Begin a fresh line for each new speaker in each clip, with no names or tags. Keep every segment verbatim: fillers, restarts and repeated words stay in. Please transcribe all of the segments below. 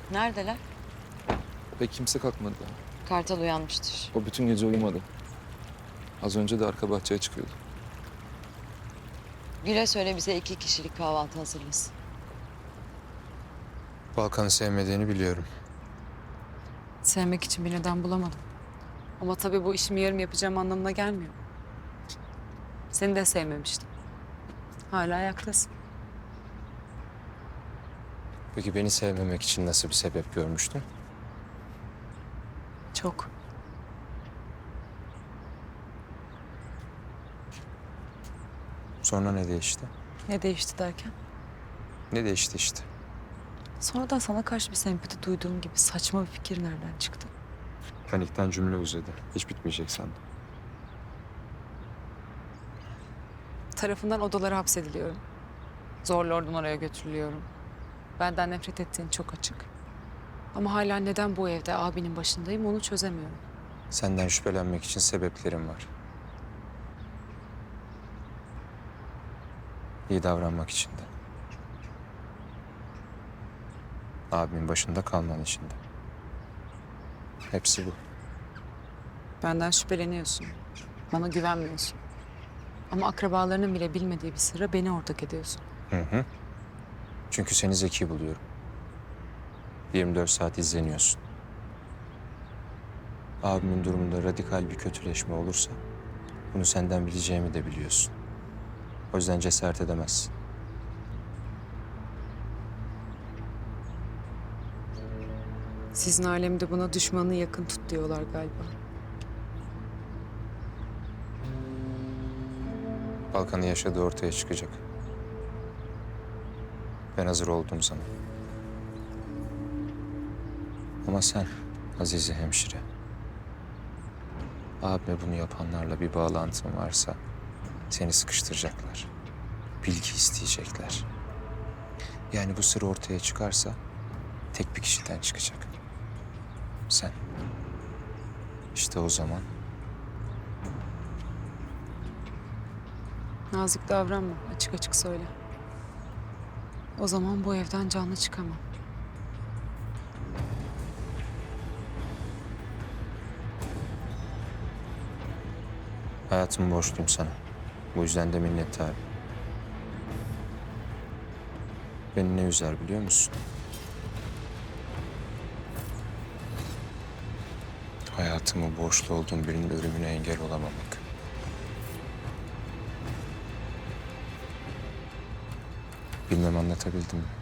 Neredeler?
Pek kimse kalkmadı daha.
Kartal uyanmıştır.
O bütün gece uyumadı. Az önce de arka bahçeye çıkıyordu.
Gül'e söyle bize iki kişilik kahvaltı hazırlasın.
Balkan'ı sevmediğini biliyorum.
Sevmek için bir neden bulamadım. Ama tabii bu işimi yarım yapacağım anlamına gelmiyor. Seni de sevmemiştim. Hala ayaktasın.
Peki beni sevmemek için nasıl bir sebep görmüştün?
Çok.
Sonra ne değişti?
Ne değişti derken?
Ne değişti işte?
Sonradan sana karşı bir sempati duyduğum gibi saçma bir fikir nereden çıktı?
Panikten cümle uzadı. Hiç bitmeyecek sandım.
Tarafından odalara hapsediliyorum. Zorla oradan oraya götürülüyorum. Benden nefret ettiğin çok açık. Ama hala neden bu evde abinin başındayım onu çözemiyorum.
Senden şüphelenmek için sebeplerim var. İyi davranmak için de. Abimin başında kalman için de. Hepsi bu.
Benden şüpheleniyorsun. Bana güvenmiyorsun. Ama akrabalarının bile bilmediği bir sırra beni ortak ediyorsun.
Hı hı. Çünkü seni zeki buluyorum. yirmi dört saat izleniyorsun. Abimin durumunda radikal bir kötüleşme olursa bunu senden bileceğimi de biliyorsun. O yüzden cesaret edemezsin.
Sizin alemde buna düşmanı yakın tut diyorlar galiba.
Balkan'ın yaşadığı ortaya çıkacak. Ben hazır olduğum zaman. Ama sen Azize hemşire, abime bunu yapanlarla bir bağlantın varsa seni sıkıştıracaklar. Bilgi isteyecekler. Yani bu sır ortaya çıkarsa tek bir kişiden çıkacak. Sen. İşte o zaman
Nazik davranma, açık açık söyle. O zaman bu evden canlı çıkamam.
hayatımı borçluyum sana. Bu yüzden de minnettarım. Beni ne üzer biliyor musun? Hayatımı borçlu olduğum birinin ölümüne engel olamamak. Bilmem anlatabildim mi?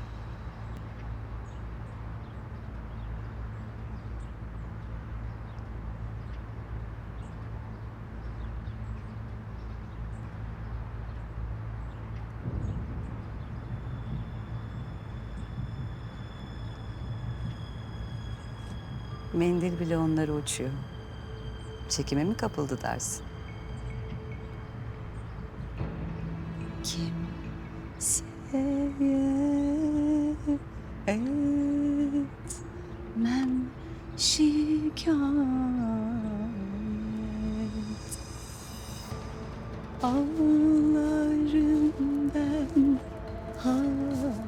Mendil bile onları uçuyor. Çekime mi kapıldı dersin? Kim etmem şikayet ağlarım ben halim.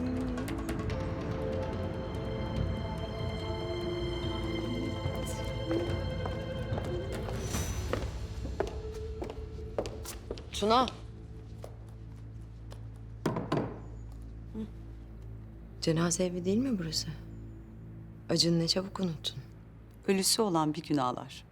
Tuna. Cenaze evi değil mi burası? Acını ne çabuk unuttun.
Ölüsü olan bir gün ağlar.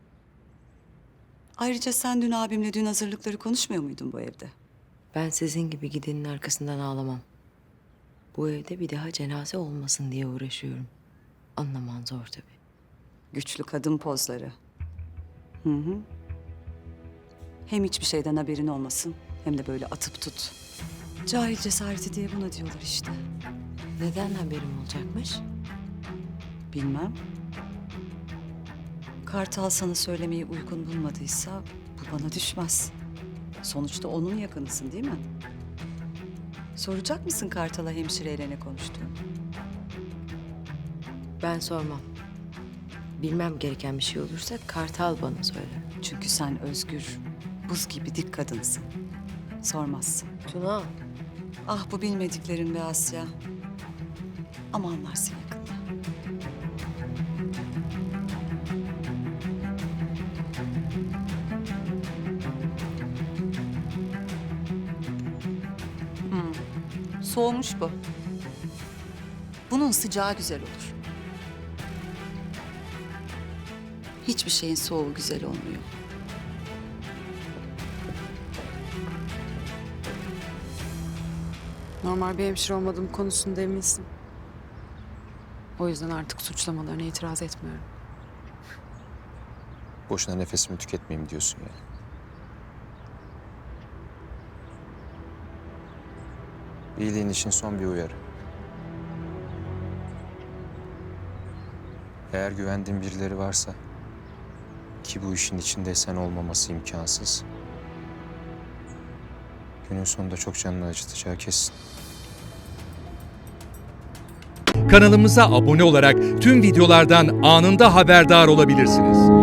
Ayrıca sen dün abimle dün hazırlıkları konuşmuyor muydun bu evde?
Ben sizin gibi gidenin arkasından ağlamam. Bu evde bir daha cenaze olmasın diye uğraşıyorum. Anlaman zor tabii.
Güçlü kadın pozları. Hı hı. Hem hiçbir şeyden haberin olmasın hem de böyle atıp tut. Cahil cesareti diye buna diyorlar işte.
Neden haberim olacakmış?
Bilmem. Kartal sana söylemeyi uygun bulmadıysa bu bana düşmez. Sonuçta onun yakınısın değil mi? Soracak mısın Kartal'a hemşireyle ne konuştuğunu?
Ben sormam. Bilmem gereken bir şey olursa Kartal bana söyler.
Çünkü sen özgür, buz gibi dik kadınsın. Sormazsın.
Tuna.
Ah bu bilmediklerin be Asya. Ama anlarsın yakında. Soğumuş bu. Bunun sıcağı güzel olur. Hiçbir şeyin soğuğu güzel olmuyor.
Normal bir hemşire olmadığım konusunda eminsin. O yüzden artık suçlamalarına itiraz etmiyorum.
Boşuna nefesimi tüketmeyeyim diyorsun yani. İyiliğin için son bir uyarı. Eğer güvendiğin birileri varsa, ki bu işin içinde sen olmaması imkansız, günün sonunda çok canını acıtacağı kesin.
Kanalımıza abone olarak tüm videolardan anında haberdar olabilirsiniz.